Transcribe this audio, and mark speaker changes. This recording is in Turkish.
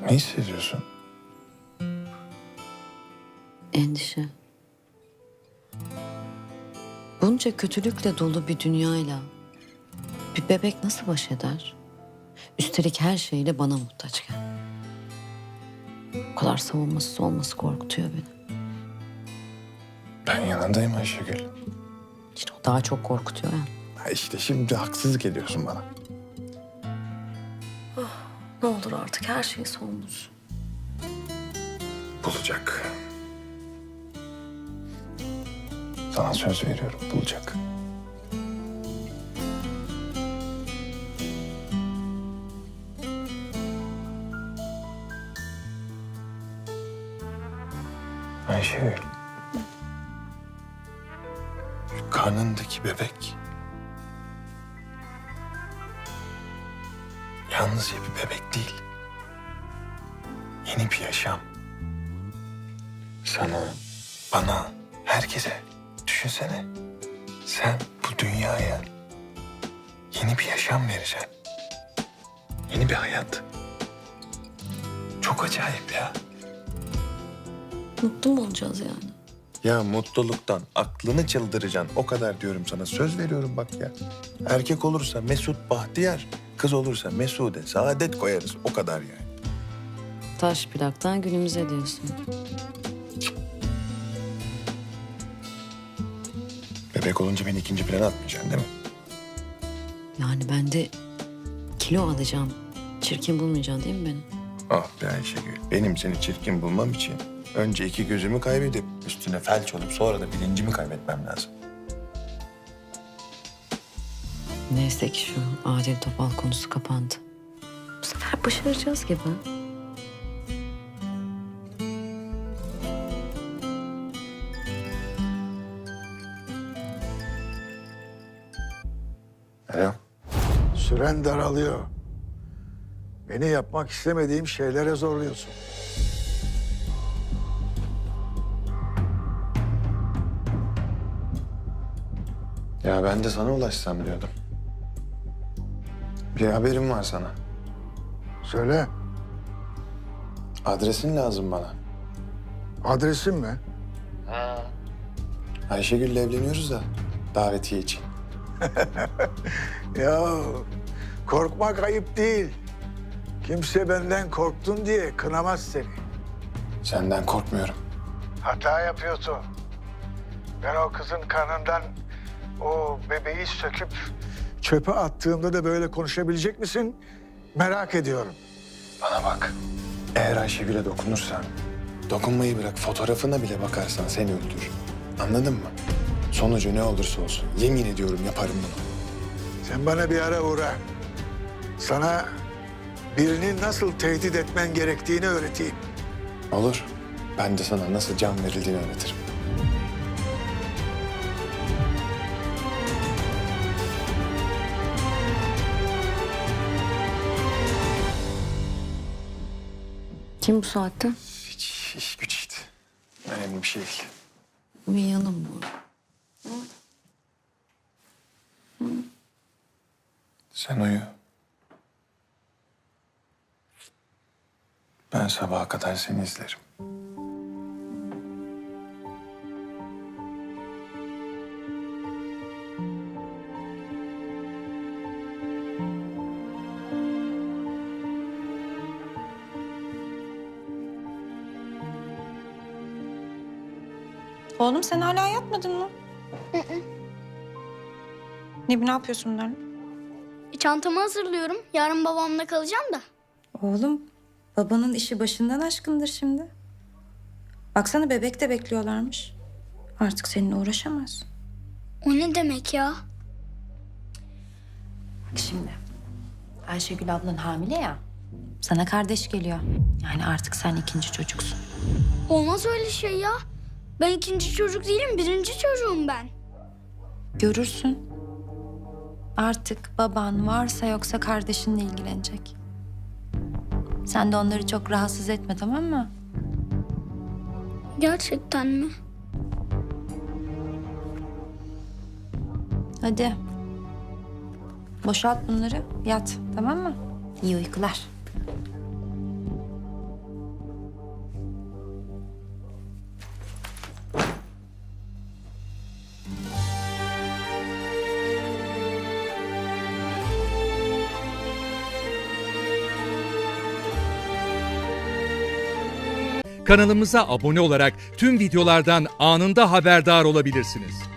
Speaker 1: Ne hissediyorsun?
Speaker 2: Endişe. Bunca kötülükle dolu bir dünyayla bir bebek nasıl baş eder? Üstelik her şeyle bana muhtaçken. Bu kadar savunmasız olması korkutuyor beni.
Speaker 1: Ben yanındayım Ayşegül.
Speaker 2: İşte o daha çok korkutuyor ya.
Speaker 1: Ha işte şimdi haksızlık ediyorsun bana.
Speaker 2: Ne olur artık her şey son bulsun.
Speaker 1: Bulacak. Sana söz veriyorum, bulacak. Ayşegül. Şu karnındaki bebek yalnızca bir bebek değil. Yeni bir yaşam. Sana, bana, herkese. Düşünsene. Sen bu dünyaya yeni bir yaşam vereceksin. Yeni bir hayat. Çok acayip ya.
Speaker 2: Mutlu mu olacağız yani?
Speaker 1: Ya mutluluktan aklını çıldıracaksın. O kadar diyorum sana. Söz veriyorum bak ya. Erkek olursa Mesut Bahtiyar, kız olursa Mesude Saadet koyarız. O kadar yani.
Speaker 2: Taş plaktan günümüze diyorsun.
Speaker 1: Bebek olunca beni ikinci plana atmayacaksın değil mi?
Speaker 2: Yani ben de kilo alacağım. Çirkin bulmayacaksın değil mi beni?
Speaker 1: Ah be Ayşegül. Benim seni çirkin bulmam için önce iki gözümü kaybedip üstüne felç olup sonra da bilincimi kaybetmem lazım.
Speaker 2: Neyse ki şu Adil Topal konusu kapandı. Bu sefer başaracağız gibi.
Speaker 1: Alo.
Speaker 3: Süren daralıyor. Beni yapmak istemediğim şeylere zorluyorsun.
Speaker 1: Ya ben de sana ulaşsam diyordum. Bir haberim var sana.
Speaker 3: Söyle,
Speaker 1: Adresin lazım bana.
Speaker 3: adresin mi?
Speaker 1: Ayşegül'le evleniyoruz da davetiye için.
Speaker 3: Ya korkmak ayıp değil. Kimse benden korktun diye kınamaz seni.
Speaker 1: Senden korkmuyorum.
Speaker 3: Hata yapıyorsun. Ben o kızın karnından o bebeği söküp çöpe attığımda da böyle konuşabilecek misin? Merak ediyorum.
Speaker 1: Bana bak. Eğer Ayşegül'e dokunursan, dokunmayı bırak fotoğrafına bile bakarsan seni öldürür. Anladın mı? Sonucu ne olursa olsun yemin ediyorum yaparım bunu.
Speaker 3: Sen bana bir ara uğra. Sana birini nasıl tehdit etmen gerektiğini öğreteyim.
Speaker 1: Olur. Ben de sana nasıl can verildiğini öğretirim.
Speaker 2: Kim bu saatte?
Speaker 1: Hiç iş güç işte. Önemli bir şey değil.
Speaker 2: Uyuyalım mı?
Speaker 1: Sen uyu. Ben sabaha kadar seni izlerim.
Speaker 4: Oğlum sen hala yatmadın mı? Ne yapıyorsun bunlarla?
Speaker 5: Çantamı hazırlıyorum. Yarın babamla kalacağım da.
Speaker 4: Oğlum babanın işi başından aşkındır şimdi. Baksana bebek de bekliyorlarmış. Artık seninle uğraşamaz.
Speaker 5: O ne demek ya?
Speaker 4: Bak şimdi Ayşegül ablan hamile ya. Sana kardeş geliyor. Yani artık sen ikinci çocuksun.
Speaker 5: Olmaz öyle şey ya. Ben ikinci çocuk değilim, birinci çocuğum ben.
Speaker 4: Görürsün. Artık baban varsa yoksa kardeşinle ilgilenecek. Sen de onları çok rahatsız etme, tamam mı?
Speaker 5: Gerçekten mi?
Speaker 4: Hadi. Boşalt bunları, yat, tamam mı? İyi uykular.
Speaker 6: Kanalımıza abone olarak tüm videolardan anında haberdar olabilirsiniz.